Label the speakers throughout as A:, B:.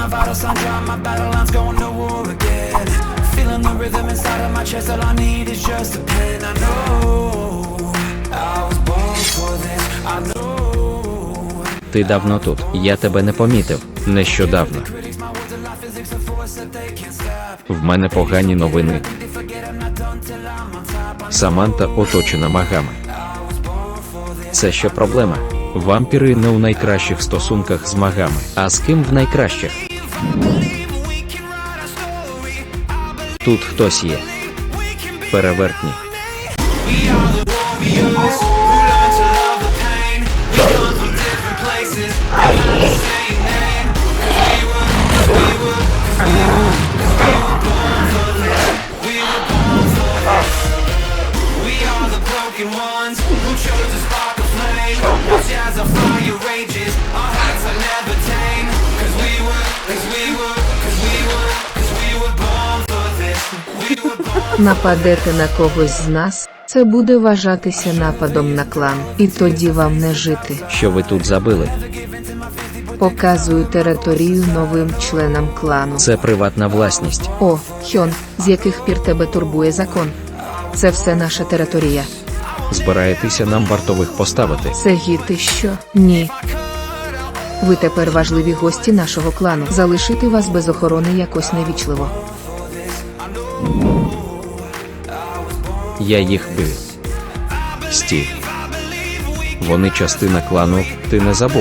A: my vitals on dry, my battle lines going to war again. Feeling the rhythm inside of my chest, all I need is just a pen. I know I was born for this, I know.
B: Ти давно тут, я тебе не помітив, нещодавно. В мене погані новини. Саманта оточена магами. Це що проблема? Вампіри не у найкращих стосунках з магами. А з ким в найкращих? Тут хтось є. Перевертні.
C: Нападете на когось з нас, це буде вважатися нападом на клан, і тоді вам не жити.
B: Що ви тут забили?
C: Показую територію новим членам клану.
B: Це приватна власність.
C: О, Хьон, з яких пір тебе турбує закон? Це все наша територія.
B: Збираєтеся нам вартових поставити?
C: Сегі, ти що? Ні. Ви тепер важливі гості нашого клану. Залишити вас без охорони якось невічливо.
B: Я їх бив. Стій. Вони частина клану, ти не забув?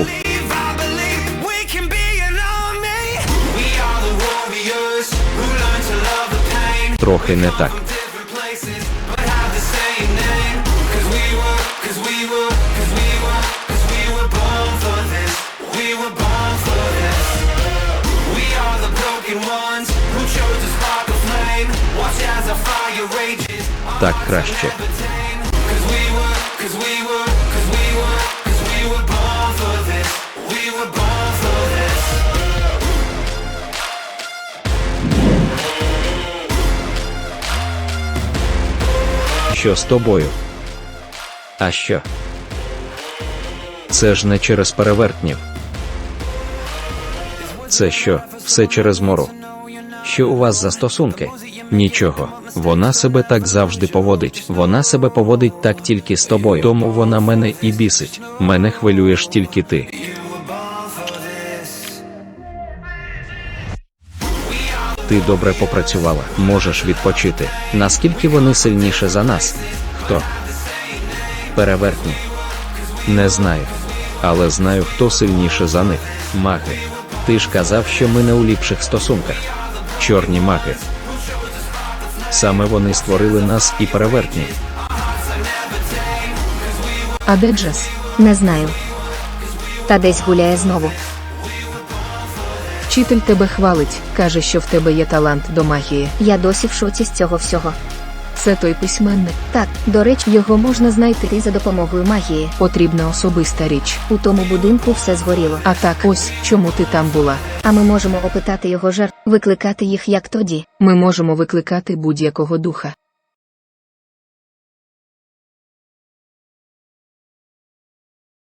B: Трохи не так. Так краще. Що з тобою? А що? Це ж не через перевертнів. Це що, все через Мору? Що у вас за стосунки? Нічого. Вона себе так завжди поводить. Вона себе поводить так тільки з тобою. Тому вона мене і бісить. Мене хвилюєш тільки ти. Ти добре попрацювала. Можеш відпочити. Наскільки вони сильніше за нас? Хто? Перевертні. Не знаю. Але знаю, хто сильніше за них. Маги. Ти ж казав, що ми не у ліпших стосунках. Чорні маги. Саме вони створили нас і перевертні.
C: А де Джес?
D: Не знаю. Та десь гуляє знову.
C: Вчитель тебе хвалить, каже, що в тебе є талант до магії.
D: Я досі в шоці з цього всього.
C: Це той письменник.
D: Так, до речі, його можна знайти за допомогою магії.
C: Потрібна особиста річ.
D: У тому будинку все згоріло.
C: А так ось, чому ти там була.
D: А ми можемо опитати його жертв, викликати їх як тоді.
C: Ми можемо викликати будь-якого духа.